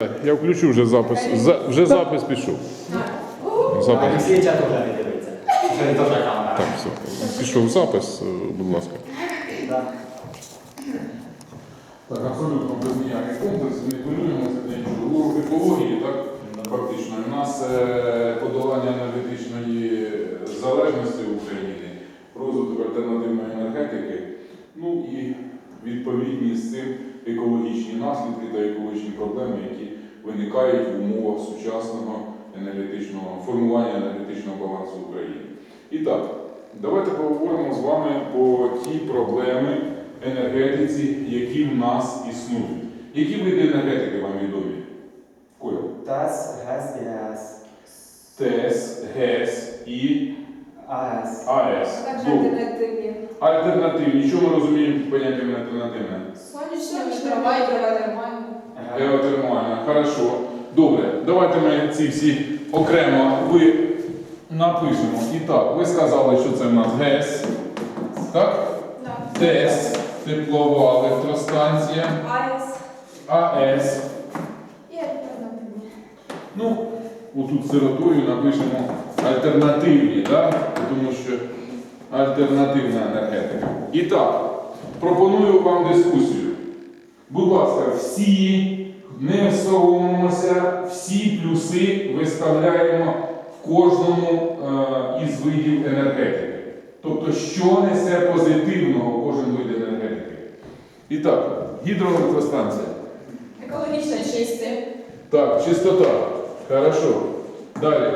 Я включу вже запис. Вже запис пішов. Запис. Олексійча теж не дивиться. Що він теж камера. Так, все. Пішов запис, будь ласка. Так, абсолютно без ніяких комплексів, не хвилюємося для нічого. Екології, так, фактично. У нас подолання енергетичної залежності України, розвиток альтернативної енергетики, ну і відповідні з цим екологічні наслідки та екологічні проблеми, які виникають в умовах сучасного формування енергетичного балансу України. І так, давайте поговоримо з вами по ті проблеми енергетиці, які в нас існують. Які види енергетики вам відомі? Коля? ТЕС, ГЕС і АЕС. ТЕС, ГЕС і АЕС. АЕС. А також альтернативні. Альтернативні. Що ми розуміємо під поняттям альтернативне? Сонячні, трава і геотермальні. Геотермальна. Хорошо. Добре. Давайте ми ці всі окремо напишемо. І так, ви сказали, що це в нас ГЕС. Так? Так. ТЕС, теплова електростанція. АЕС АЕС. і альтернативні. Ну, отут сиротою напишемо альтернативні, да? Тому що альтернативна енергетика. І так, пропоную вам дискусію. Будь ласка, всі, не соромимося, всі плюси виставляємо в кожному із видів енергетики. Тобто, що несе позитивного кожен вид енергетики. І так, гідроелектростанція. Екологічно чисті. Так, чистота. Хорошо. Далі.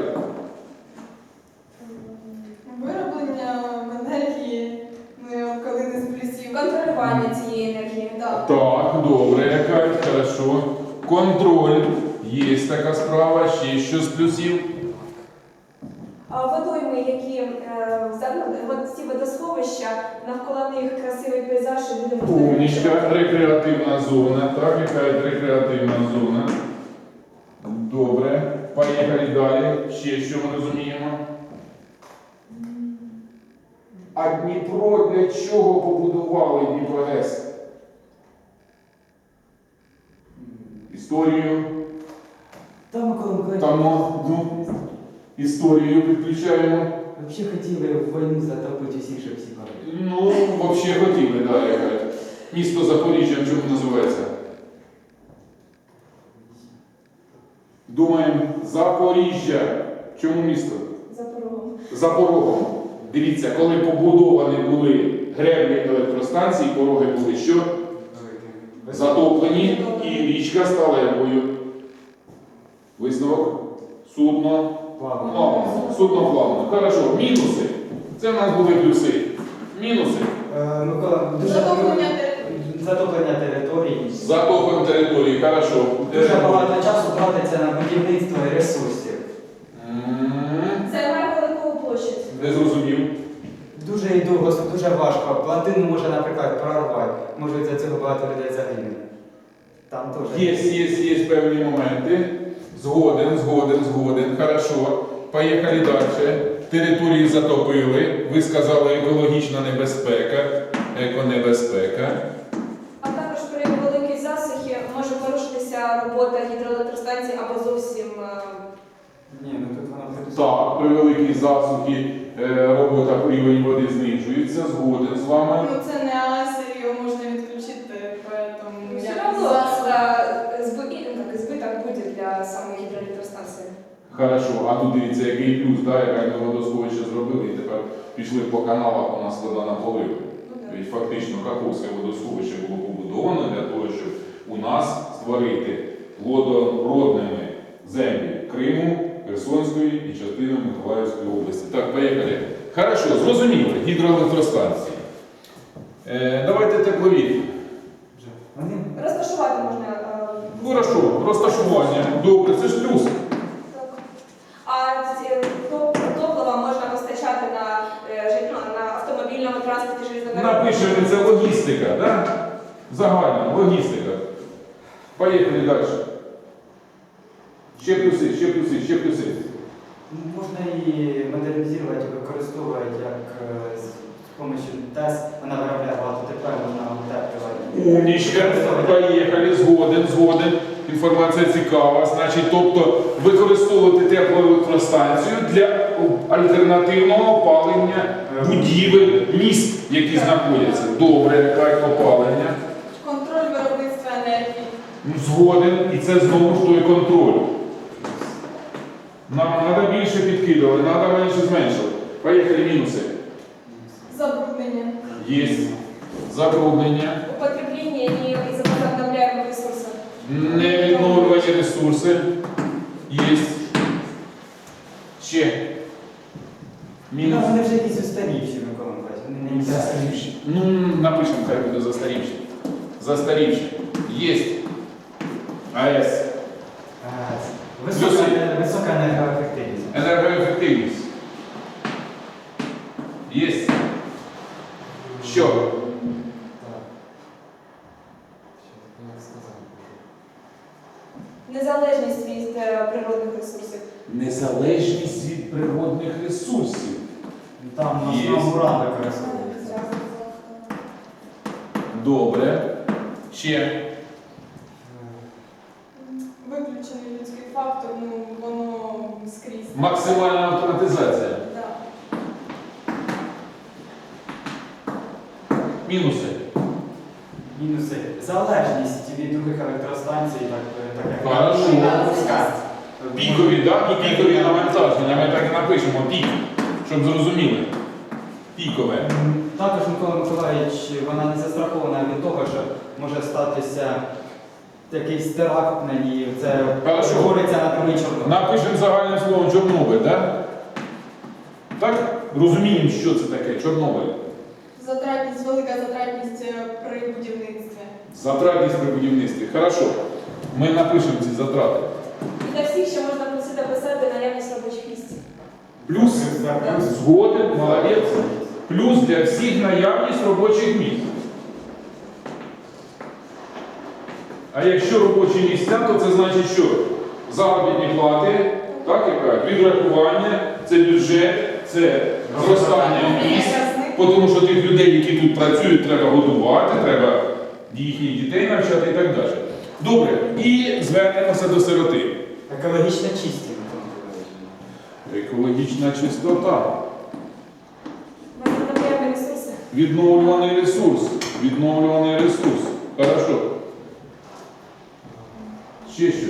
Вироблення енергії, коли не з плюсів. Контролювання цієї енергії. Так. Так, добре, якась, хорошо. Контроль. Є така справа, ще що з плюсів. Водойми, які ці водосховища, навколо них красивий пейзаж і люди можуть Умнічка, рекреативна зона. Так, яка рекреативна зона. Добре. Поїхали далі. Ще що ми розуміємо. А Дніпро для чого побудували Дніпрогес? Історію. Там, ну, історію підключаємо. Взагалі хотіли війну затопити усіх, щоб всі погибли. Ну, взагалі хотіли, да, яка. Місто Запоріжжя, чому називається? Думаємо, Запоріжжя. Чому місто? за порогом. За порогом. Дивіться, коли побудовані були греблі електростанції, пороги були що? Затоплені і річка стала якою? Висновок? Судно. Плавно. Судно плавно. Хорошо. Мінуси. Це в нас були плюси. Мінуси. Микола, дуже затоплення території. Затоплення території. Хорошо. Дуже багато часу тратиться на будівництво і ресурсів. Займає велику площадь. Не зрозумів. Дуже і довго, дуже важко. Плантину може, наприклад, прорвати. Може за цього багато людей загине. Там теж. Є певні моменти. Згоден. Хорошо. Поїхали далі. Території затопили. Ви сказали екологічна небезпека, еконебезпека. А також при великій засухі може порушитися робота гідроелектростанції або зовсім... Ні, ну тут вона буде. Так, при великій засухі робота рівень води знижується. Згоден з вами. Ну це не АЕС, його можна відключити, поэтому Все я равно за. збиток буде для самої гідроелектростанції. Хорошо, а тут дивіться, який плюс, да, яке ми водосховище зробили, і тепер пішли по каналах, у нас вода наполила. Ведь фактично Каховське водосховище було побудовано для того, щоб у нас створити водородними землі Криму, Херсонської і частини Миколаївської області. Так, поїхали. Хорошо, зрозуміли, гідроелектростанції. Давайте теплові. Вони Розташувати можна. Хорошо, розташування. Добре, це ж плюс. А топлива можна постачати на автомобільному транспорті железнодорожному. Напишемо, це логістика, да? Загальна логістика. Поїхали далі. Ще плюси. можна її модернізувати, використовувати як з допомогою ТЕС. Вона виробляє багато тепла, можна утеплювати. Умнічка. Поїхали, згоден. інформація цікава. Значить, тобто використовувати теплоелектростанцію для альтернативного опалення будівель, міст, які знаходяться. Добре, так, опалення. Контроль виробництва енергії. Згоден, і це знову ж той контроль. Нам треба більше підкидувати, треба менше зменшувати. Поїхали мінуси. Забруднення. Є забруднення, Употребление невозобновляемых ресурсов. невідновлювані ресурси. Є. Ще. Ну, Мінус. вони вже якісь устарівші, Микола Миколаївич. Вони не Застарівші. Ну, напишемо, хай буде застарівші. Застарівші. Є. АЕС. Висока енергоефективність. Енергоефективність. Є. Що? Так. Незалежність від природних ресурсів. Незалежність від природних ресурсів. Там в Є. основному уран використовується. Добре. Ще. Виключений людський фактор, ну воно скрізь. Максимальна автоматизація. Да. Мінуси. Мінуси. Залежність від других електростанцій, так як Хорошо. Пускай. Пікові, так? І пікові навантаження. Ми так і напишемо пік, щоб зрозуміли. Пікове. Також Микола Миколаївич, вона не застрахована від того, що може статися якийсь теракт на ній. Це Хорошо. говориться на другий Чорнобиль. Напишемо загальним словом Чорнобиль, так? Так? Розуміємо, що це таке Чорнобиль. Затратність, велика затратність при будівництві. Затратність при будівництві. Хорошо. Ми напишемо ці затрати. І для всіх ще можна просити писати наявність робочих місць. Плюс Да. згоден, молодець. Плюс для всіх наявність робочих місць. А якщо робочі місця, то це значить, що заробітні плати, так, яка? Відрахування, це бюджет, це зростання місць, тому що тих людей, які тут працюють, треба годувати, треба їхніх дітей навчати і так далі. Добре, і звернемося до сироти. Екологічно чисті, Микола Миколаївич. Екологічна чистота. Возобновляемые ресурси. Відновлюваний ресурс. Відновлюваний ресурс. Хорошо. Ще що?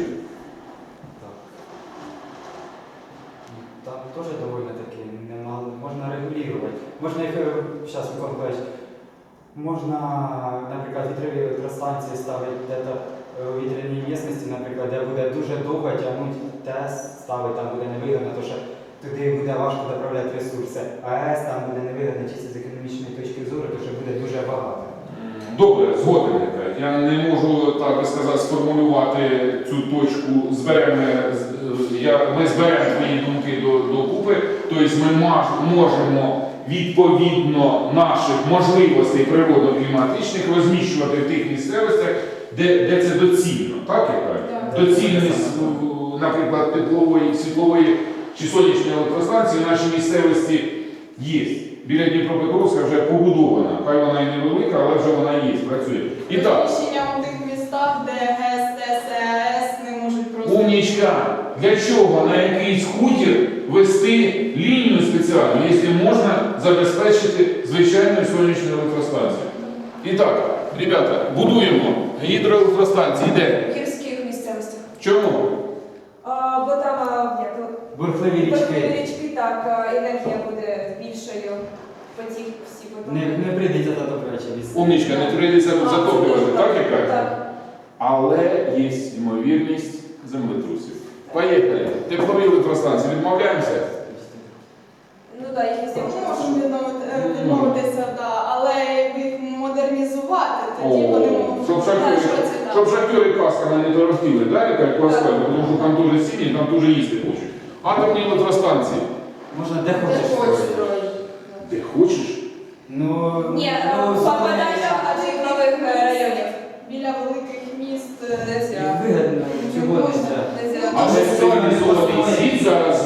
Там теж доволі таки можна регулювати. Можна їх, зараз, Микола Миколаївич, можна, наприклад, вітрові електростанції ставити десь у вітряній місцевості, наприклад, де буде дуже довго тягнути ТЕС, ставити, там буде невигідно, тому що туди буде важко доправляти ресурси. АЕС там буде невигідно чисто з економічної точки зору, тому що буде дуже багато. Добре, згоден. Я не можу, так би сказати, сформулювати цю точку. Ми зберемо твої думки докупи. Тобто ми можемо відповідно наших можливостей природно-кліматичних розміщувати в тих місцевостях, де це доцільно. Так, я кажу? Так. Доцільність, наприклад, теплової, світлової чи сонячної електростанції в нашій місцевості є. Біля Дніпропетровська вже побудована. Хай вона і невелика, але вже вона є, працює. І так, Розміщення у тих містах, де ГЕС, ТЕС, ЕАЕС не можуть просто... умнічка, для чого на якийсь хутір вести лінію спеціальну, якщо можна забезпечити звичайну сонячну електростанцію? І так, ребята, будуємо гідроелектростанції. Де? В гірських місцевостях. Чому? Бо там Бурхливі річки. річки, так, енергія буде більшою, потік всі потім. Не прийдеться затоплювачі від Умнічка, не прийдеться затоплювати, так, яка? Так. Але є ймовірність землетрусів. Поїхали. Теплові електростанції відмовляємося? Ну так, їх всі можемо відмовитися, але їх модернізувати, тоді О, вони можуть щоб далі шахтери, процвітати. щоб шахтери касками не торохтіли, да, яка по асфальту, тому що там дуже сіні, там дуже їсти хочуть. Атомні електростанції. Можна де хочеш строїти. Де хочеш? Ну, Ні, ну, попадання до нових районів. Біля великих міст нельзя. вигідно, чого Можна, нельзя? нельзя. Але цивілізований світ зараз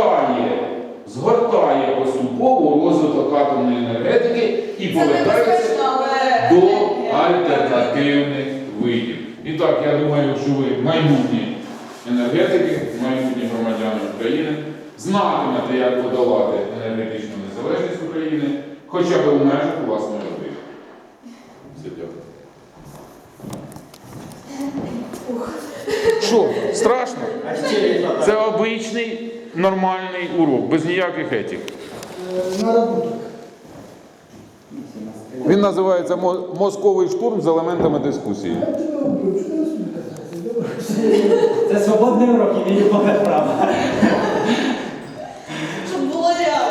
згортає поступово розвиток атомної енергетики і Це повертається небезпечно, але... до альтернативних видів. І так, я думаю, що ви майбутні енергетики, майбутні громадяни України, знатимете, як подолати енергетичну незалежність України, хоча б у межах власної родини. Все, дякую. Що, страшно? А ще є два. Це обичний, нормальний урок, без ніяких етик. Наработок. Він називається «Мозковий штурм з елементами дискусії». Це свободний урок, і мені повне право.